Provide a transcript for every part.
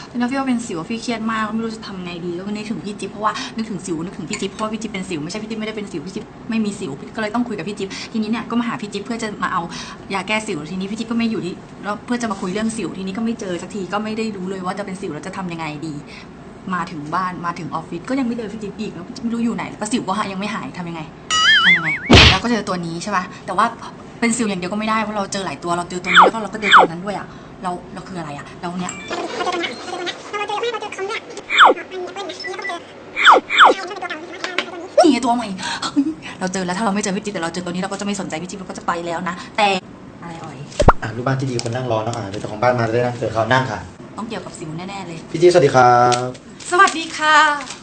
แล้วพี่ว่าเป็นสิวพี่เครียดมากไม่รู้จะทำไงดีแล้วก็นึกถึงพี่จิ๊บเพราะว่านึกถึงสิวนึกถึงพี่จิ๊บเพราะว่าพี่จิ๊บเป็นสิวไม่ใช่พี่จิ๊บไม่ได้เป็นสิวพี่จิ๊บไม่มีสิวก็เลยต้องคุยกับพี่จิ๊บทีนี้เนี่ยก็มาหาพี่จิ๊บเพื่อจะมาเอายาแก้สิวทีนี้พี่จิ๊บก็ไม่อยู่ที่แล้วเพื่อจะมาคุยเรื่องสิวทีนี้ก็ไม่เจอสักทีก็ไม่ได้รู้เลยว่าจะเป็นสิวแล้วจะทำยังไงดีมาถึงบ้านมาถึงออฟฟิศก็ยังไม่เจอพี่จิ๊บอีกแล้วไม่รู้อยู่ไหนแล้วก็สิวก็ยังไม่หายทำยังไงแล้วก็เจอตัวนี้ใช่ป่ะแต่ว่าเป็นสิวอย่างเดียวก็ไม่ได้เพราะเราเจอหลายตัวเราเจอตัวนี้แล้วก็เราก็เจอตัวนั้นด้วยอ่ะเราคืออะไรอ่ะเราเนี้ยนี่ตัวใหม่เราเจอแล้วถ้าเราไม่เจอพี่จิ๊บแต่เราเจอตัวนี้เราก็จะไม่สนใจพี่จิ๊บเราก็จะไปแล้วนะแต่อะไรอ่อยลูกบ้านที่ดีคนนั่งรอเนาะเดี๋ยวเจ้าของบ้านมาได้นั่งเจอเขานั่งค่ะต้องเกี่ยวกับสิวแน่ๆเลยพี่จิ๊บสวัสดีครับสวัสดีค่ะ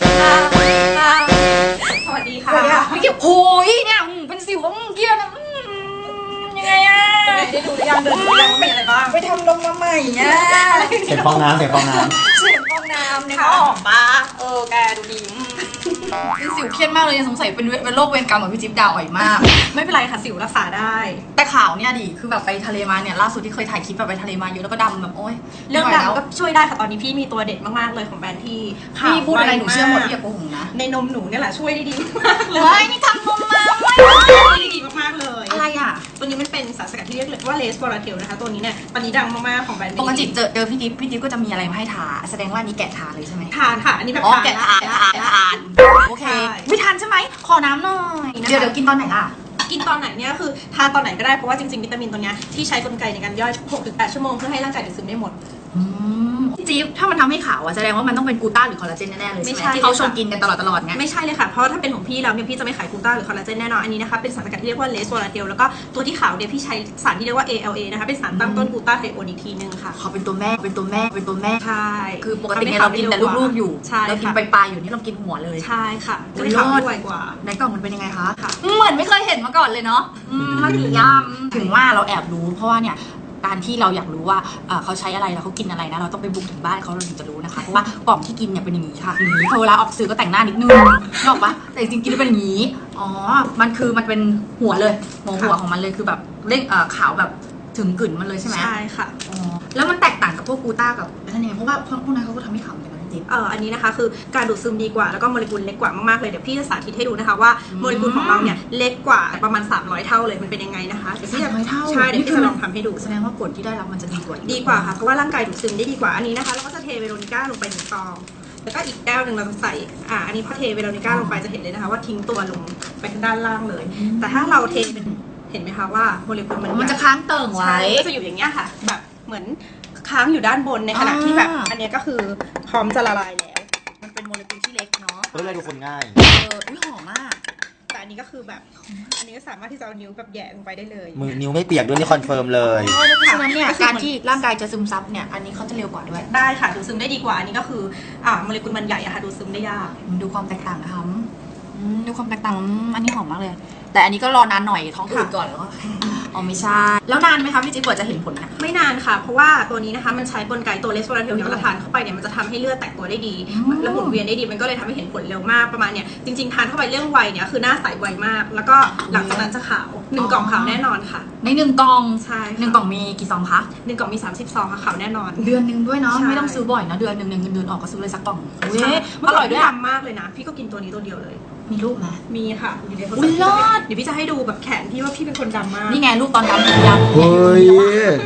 สวัสดีค่ะพี่เกี่ยวโอ้ยเนี่ยเป็นสิวเกี่ยวนะยังไงอะได้ดูหรือยังเดินดูยังว่ามีอะไรบ้างไปทำนมมาใหม่เนี่ยเสียงฟองน้ำเสียงฟองน้ำเนี่ยออกปะแกดูดีเป็นสิวเครียดมากเลยสงสัยเป็นโรคเวรกรรมของพี่จิ๊บดาวอ่อยมากไม่เป็นไรค่ะสิวรักษาได้แต่ขาวเนี่ยดิคือแบบไปทะเลมาเนี่ยล่าสุดที่เคยถ่ายคลิปแบบไปทะเลมาเยอะแล้วก็ดำแบบโอ๊ยเรื่องดำก็ช่วยได้ค่ะตอนนี้พี่มีตัวเด็ดมากๆเลยของแบรนด์ที่พี่พูดอะไรหนูเชื่อหมดพี่อย่าโกหกนะในนมหนูเนี่ยแหละช่วยได้ดีมากเลเฮ้ยนี่ทำนมมาได้ดีมากๆเลยอะไรอ่ะตัวนี้มันเป็นสารสกัดที่เรียกว่าเลสบอราเทลนะคะตัวนี้เนี่ยตอนนี้ดังมากๆของแบรนด์ปกติเจอพี่จิ๊บก็จะมีอะไรมาให้ทาแสดงว่านี้แกะทาเลยใช่ไหมทานค่ะอันนี้แบบแกะทานโอเคไม่ทานใช่ไหมขอน้ำหน่อยเดี๋ยวกินตอนไหนล่ะกินตอนไหนเนี่ยคือทานตอนไหนก็ได้เพราะว่าจริงๆวิตามินตัวนี้ที่ใช้กลไกในการย่อย 6-8 ชั่วโมงเพื่อให้ร่างกายดูดซึมได้หมดจิ๊บถ้ามันทำให้ขาวอะแสดงว่ามันต้องเป็นกลูต้าหรือคอลลาเจนแน่ๆเลยใช่ไหมที่เขาชงกินกันตลอดไงไม่ใช่เลยค่ะเพราะถ้าเป็นของพี่แล้วเนี่ยพี่จะไม่ขายกลูต้าหรือคอลลาเจนแน่นอนอันนี้นะคะเป็นสารสกัดที่เรียกว่าเลสโวลาเทลแล้วก็ตัวที่ขาวเนี่ยพี่ใช้สารที่เรียกว่า ALA นะคะเป็นสารตั้งต้นกลูต้าไทโอนอีกทีนึงค่ะเขาเป็นตัวแม่ใช่คือปกติเรากินแต่ลูกๆอยู่เรากินปลายๆอยู่นี่เรากินหัวเลยใช่ค่ะก็เลยขาวไวกว่าในกล่องมันเป็นยังไงคะเหมือนไม่เคยเห็นมาก่อนเลยเนาะมาถึงถึงว่าเราแอบรู้เพราะว่าเนี่ยการที่เราอยากรู้ว่าเขาใช้อะไรแล้วเขากินอะไรนะเราต้องไปบุกถึงบ้านเขาเราถึงจะรู้นะคะเพราะว่ากล่องที่กินเนี่ยเป็นอย่างนี้ค่ะอย่างนี้พอเวลาออกสื่อก็แต่งหน้านิดนึงนอกปะแต่จริงๆกินแล้วเป็นอย่างนี้อ๋อมันเป็นหัวเลยหัวของมันเลยคือแบบเร่งขาวแบบถึงกลิ่นมันเลยใช่ไหมใช่ค่ะอ๋อแล้วมันแตกต่างกับพวกกูต้ากับนั่นเองเพราะว่าพวกนั้นเขาก็ทำให้ขาวเหมือนกันอันนี้นะคะคือการดูดซึมดีกว่าแล้วก็โมเลกุลเล็กกว่ามากๆเลยเดี๋ยวพี่จะสาธิตให้ดูนะคะว่าโมเลกุลของเราเนี่ยเล็กกว่าประมาณ300เท่าเลยมันเป็นยังไงนะคะ 300เท่าใช่เดี๋ยวพี่จะลองทำให้ดูแสดงว่าผลที่ได้รับมันจะดีกว่าค่ะเพราะว่าร่างกายดูดซึมได้ดีกว่าอันนี้นะคะเราก็จะเทเวโรนิก้าลงไป1 ซองแล้วก็อีกแก้วหนึ่งเราจะใส่อันนี้พอเทเวโรนิก้าลงไปจะเห็นเลยนะคะว่าทิ้งตัวลงไปทางด้านล่างเลยแต่ถ้าเราเทเป็นเห็นไหมคะว่าโมเลกุลมันจะค้างเติ่งไว้ก็จะอยู่อย่างเงี้ยค่ะแบบเหมือนค้างอยู่ด้านบนในขณะที่แบบอันนี้ก็คือพร้อมจะละลายแล้วมันเป็นโมเลกุลที่เล็กเนาะเพื่อให้ดูคนง่ายอุ้ยหอมมากแต่อันนี้ก็คือแบบอันนี้ก็สามารถที่จะเอานิ้วแบบแย่ลงไปได้เลยมือนิ้วไม่เปียกด้วยนี่คอนเฟิร์มเลยเพราะฉะนั้นเนี่ยการที่ร่างกายจะซึมซับเนี่ยอันนี้เขาจะเร็วกว่าด้วยได้ค่ะดูดซึมได้ดีกว่าอันนี้ก็คือโมเลกุลมันใหญ่อะค่ะดูดซึมได้ยากดูความแตกต่างนะคะดูความแตกต่างอันนี้หอมมากเลยแต่อันนี้ก็รอนานหน่อยท้องอืดก่อนแล้วก็อ๋อไม่ใช่แล้วนานไหมคะพี่จิ๊บกว่าจะเห็นผลนะไม่นานค่ะเพราะว่าตัวนี้นะคะมันใช้กลไกตัวเลสโวลาเทลเนี่ยเราทานเข้าไปเนี่ยมันจะทำให้เลือดแตกตัวได้ดีและหมุนเวียนได้ดีมันก็เลยทำให้เห็นผลเร็วมากประมาณเนี่ยจริงๆทานเข้าไปเรื่องไวเนี่ยคือหน้าใสไวมากแล้วก็หลังจากนั้นจะขาว1 กล่องขาวแน่นอนค่ะใน1 กล่องใช่ 1 กล่องมีกี่ซองคะ 1 กล่องมี30 ซองค่ะขาวแน่นอนเดือนนึงด้วยเนาะไม่ต้องซื้อบ่อยนะเดือนนึงเงินเดือนออกก็ซื้อเลยสักกล่องอร่อยด้วยมากเลยนะพี่ก็กินตัวนี้ตัวเดียวเลยมีรูปไหมมีค่ะอยู่ในโทรศัพท์เดี๋ยวพี่จะให้ดูแบบแขนพี่ว่าพี่เป็นคนดำมากนี่ไงรูปตอนดำเฮ้ย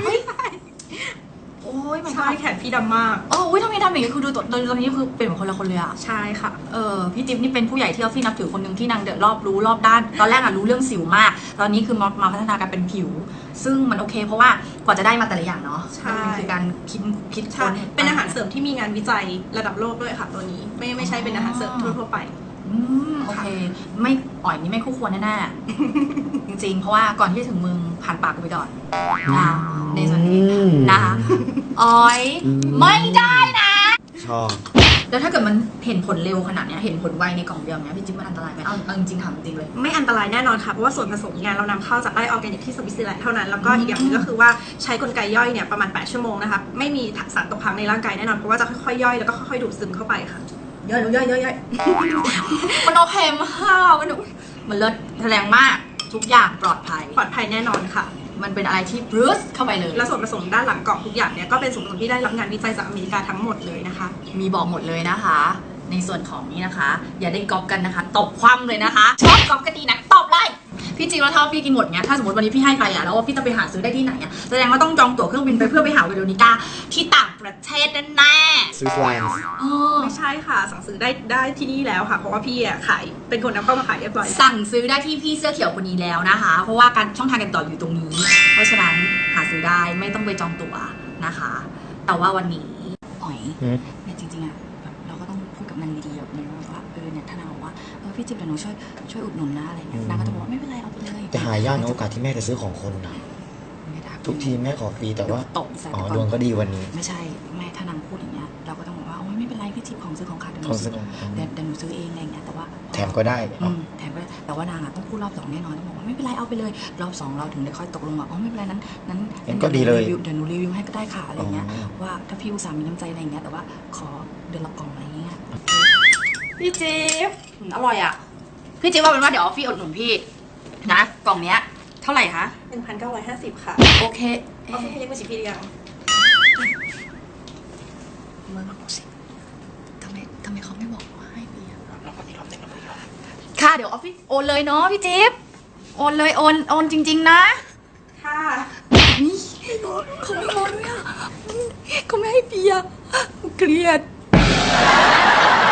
โอ้ยใช่แขนพี่ดำมากทำไมดำอย่างนี้คือดูตอนนี้คือเป็นเหมือนคนละคนเลยอะใช่ค่ะพี่จิ๊บนี่เป็นผู้ใหญ่ที่เราพี่นับถือคนหนึ่งที่นางเดือดรอบด้านตอนแรกรู้เรื่องสิวมากตอนนี้คือมาพัฒนาการเป็นผิวซึ่งมันโอเคเพราะว่ากว่าจะได้มาแต่ละอย่างเนาะใช่คือการคิดค้นเป็นอาหารเสริมที่มีงานวิจัยระดับโลกด้วยค่ะตัวนี้ไม่ใช่เป็นอาหารเสริมทั่วไปโอเคไม่อ่อยนี่ไม่คู่ควรแน่ๆจริงๆเพราะว่าก่อนที่จะถึงมึงผ่านปากกูไปก่อนนะในส่วนนี้นะคะอ่อยไม่ได้นะชอบแล้วถ้าเกิดมันเห็นผลเร็วขนาดนี้เห็นผลไวในกล่องเดียวเนี้ยพี่จิ๊บมันอันตรายไหมเอาจริงๆถามจริงเลยไม่อันตรายแน่นอนค่ะเพราะว่าส่วนผสมงานเรานำเข้าจากไร่ออร์แกนิกที่สวิตเซอร์แลนด์เท่านั้นแล้วก็อีกอย่างนึงก็คือว่าใช้กลไกย่อยเนี่ยประมาณ8 ชั่วโมงนะคะไม่มีสารตกค้างในร่างกายแน่นอนเพราะว่าจะค่อยๆย่อยแล้วก็ค่อยๆดูดซึมเข้าไปค่ะย่อยมันโอเคมากมันเลิศแสดงมากทุกอย่างปลอดภัยแน่นอนค่ะมันเป็นอะไรที่บรูซเข้าไปเลยและส่วนผสมด้านหลังกล่องทุกอย่างเนี่ยก็เป็นส่วนผสมที่ได้รับงานวิจัยจากอเมริกาทั้งหมดเลยนะคะมีบอกหมดเลยนะคะ ในส่วนของนี้นะคะ อย่าได้ก๊อปกันนะคะตบคว่ำเลยนะคะชอบก๊อปกันดีนะตบเลยพี่จริงแล้วถ้าพี่กินหมดเงี้ยถ้าสมมติวันนี้พี่ให้ใครอะแล้วว่าพี่จะไปหาซื้อได้ที่ไหนอะแสดงว่าต้องจองตั๋วเครื่องบินไปเพื่อไปหาเวโรนิก้าที่ต่างประเทศแน่ๆสวิสแลนด์ไม่ใช่ค่ะสั่งซื้อได้ที่นี่แล้วค่ะเพราะว่าพี่ขายเป็นคนนำเข้ามาขายเรียบร้อยสั่งซื้อได้ที่พี่เสื้อเขียวคนนี้แล้วนะคะ เพราะว่าการช่องทางการต่ออยู่ตรงนี้ เพราะฉะนั้นหาซื้อได้ไม่ต้องไปจองตั๋วนะคะ แต่ว่าวันนี้อ๋อยเนี่ยจริงๆอะแบบเราก็ต้องพูดกับนางดีๆแบบนี้ว่าเนี่ยถ้านางบอกว่าพี่จิ๊บเดี๋ยวหนูช่วยอุดหนุนนะอะไรเงี้ยนางก็จะบอกว่าไม่เป็นไรเอาไปเลยแต่หายากนะโอกาสที่แม่จะซื้อของคนนะทุกทีแม่ขอฟรีแต่ว่าตบใส่ก่อนดวงก็ดีวันนี้ไม่ใช่แม่ถ้านางพูดอย่างเงี้ยเราก็ต้องบอกว่าโอ้ยไม่เป็นไรพี่จิ๊บของซื้อของขาดเดี๋ยวหนูซื้อเองอะไรเงี้ยแต่ว่าแถมก็ได้แถมก็ได้แต่ว่านางต้องพูดรอบ2แน่นอนต้องบอกว่าไม่เป็นไรเอาไปเลยรอบ2เราถึงได้ค่อยตกลงว่าอ๋อไม่เป็นไรนั้นก็ดีเลยเดี๋ยวหนูรีวิวให้ก็ได้ค่ะอะไรเงี้ยว่าถ้าพี่อุตส่าห์มีน้ำใจอะไรเงี้ยแต่ว่าขอเดือนละกล่องอะไรเงี้ยพี่จิ๊บอร่อยอ่ะพี่จิ๊บว่าเป็นว่าเดี๋ยวพี่อุดหนุนพี่นะกล่องเนี้ยเท่าไหร่คะ 1,950 ค่ะโอเคเอาให้เรียกว่าชิปปี้หรือยังมึงสิทำไมเขาไม่บอกว่าให้พี่ค่ะเดี๋ยวออฟฟิศโอนเลยเนาะพี่จิ๊บโอนเลยโอนจริงๆนะค่ะนี่เขาไม่โอนด้วยอ่ะเขาไม่ให้พี่อ่ะเกลียด